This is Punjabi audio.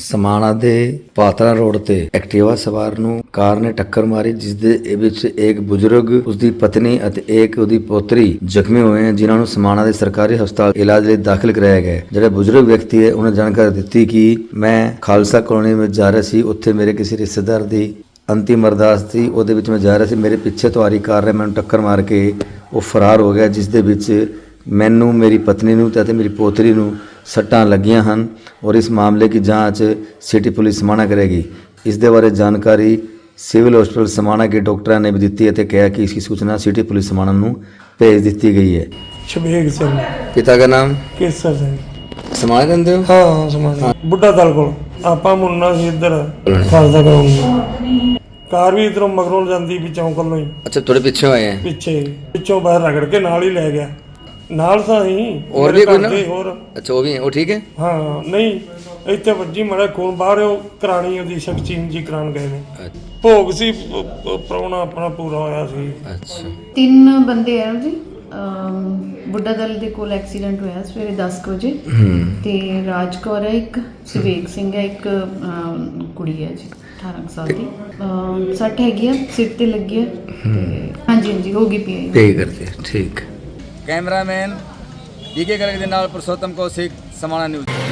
ਸਮਾਣਾ ਦੇ ਪਾਤਰਾ ਰੋਡ ਤੇ ਐਕਟਿਵਾ ਸਵਾਰ ਨੂੰ ਕਾਰ ਨੇ ਟੱਕਰ ਮਾਰੀ, ਜਿਸ ਦੇ ਵਿੱਚ ਇੱਕ ਬਜ਼ੁਰਗ, ਉਸਦੀ ਪਤਨੀ ਅਤੇ ਇੱਕ ਉਹਦੀ ਪੋਤਰੀ ਜ਼ਖਮੀ ਹੋਏ ਹਨ, ਜਿਨ੍ਹਾਂ ਨੂੰ ਸਮਾਣਾ ਦੇ ਸਰਕਾਰੀ ਹਸਪਤਾਲ ਇਲਾਜ ਲਈ ਦਾਖਲ ਕਰਾਇਆ ਗਿਆ ਹੈ। ਜਿਹੜਾ ਬਜ਼ੁਰਗ ਵਿਅਕਤੀ ਹੈ ਉਹਨੇ ਜਾਣਕਾਰੀ ਦਿੱਤੀ ਕਿ ਮੈਂ ਖਾਲਸਾ ਕਲੋਨੀ ਵਿੱਚ ਜਾ ਰਿਹਾ ਸੀ, ਉੱਥੇ ਮੇਰੇ ਕਿਸੇ ਰਿਸ਼ਤੇਦਾਰ ਦੀ ਅੰਤਿਮ ਅਰਦਾਸ ਸੀ, ਉਹਦੇ ਵਿੱਚ ਮੈਂ ਜਾ ਰਿਹਾ ਸੀ। ਮੇਰੇ ਪਿੱਛੇ ਤੋਂ ਆ ਰਹੀ ਕਾਰ ਨੇ ਮੈਨੂੰ ਟੱਕਰ ਮਾਰ ਕੇ ਉਹ ਫਰਾਰ ਹੋ ਗਿਆ, ਜਿਸ ਦੇ ਵਿੱਚ ਮੈਨੂੰ, ਮੇਰੀ ਪਤਨੀ ਨੂੰ ਅਤੇ ਮੇਰੀ ਪੋਤਰੀ ਨੂੰ ਸੱਟਾਂ ਲੱਗੀਆਂ ਹਨ और इस मामले की जांच सिटी पुलिस समाणा करेगी। इस दे बारे जानकारी सिविल हॉस्पिटल समाणा के डॉक्टरों ने भी दी है, कहा कि इसकी सूचना सिटी पुलिस समाणा ਨੂੰ भेज दी गई है। शबीर सिंह, पिता का नाम केसर सिंह। समाणा रहंदे हो? हाँ समाणा बुढ़ा दल को आपा मुन्ना सी इधर खालसा कराऊंगा। कार भी इधरों मगरों जाती भी चौंक लो ही। अच्छा, थोड़े पीछे आए हैं? पिछों बाहर रगड़ के नाल ही ले गया। नाल सा ही और भी कोई ना? और अच्छा, वो भी है, वो ठीक है? हाँ नहीं ਇੱਥੇ ਵੱਜੀ ਮੜਾ ਖੂਨ ਬਾਹਰ ਉਹ ਕਰਾਣੀ ਉਹਦੀ ਸ਼ਕਚੀਨ ਜੀ ਕਰਾਣ ਗਏ ਨੇ। ਭੋਗ ਸੀ, ਪ੍ਰਾਹੁਣਾ ਆਪਣਾ ਪੂਰਾ ਹੋਇਆ ਸੀ। ਅੱਛਾ, 3 ਬੰਦੇ ਆ ਜੀ। ਬੁੱਢਾ ਦਲ ਦੇ ਕੋਲ ਐਕਸੀਡੈਂਟ ਹੋਇਆ ਸਵੇਰੇ 10 ਵਜੇ ਤੇ ਰਾਜ ਕੌਰ ਹੈ ਇੱਕ, ਸਿਵੇਕ ਸਿੰਘ ਹੈ ਇੱਕ, ਕੁੜੀ ਹੈ ਜੀ 18 ਸਾਲ ਦੀ। 60 ਹੈਗੀ ਆ, ਸਿਰ ਤੇ ਲੱਗੀ ਹੈ ਤੇ ਹਾਂਜੀ ਹਾਂਜੀ ਹੋ ਗਈ ਪੀ करते हैं। ठीक। कैमरामैन डीके गर्ग दे नाल पुरुषोत्तम कौशिक समाणा न्यूज़।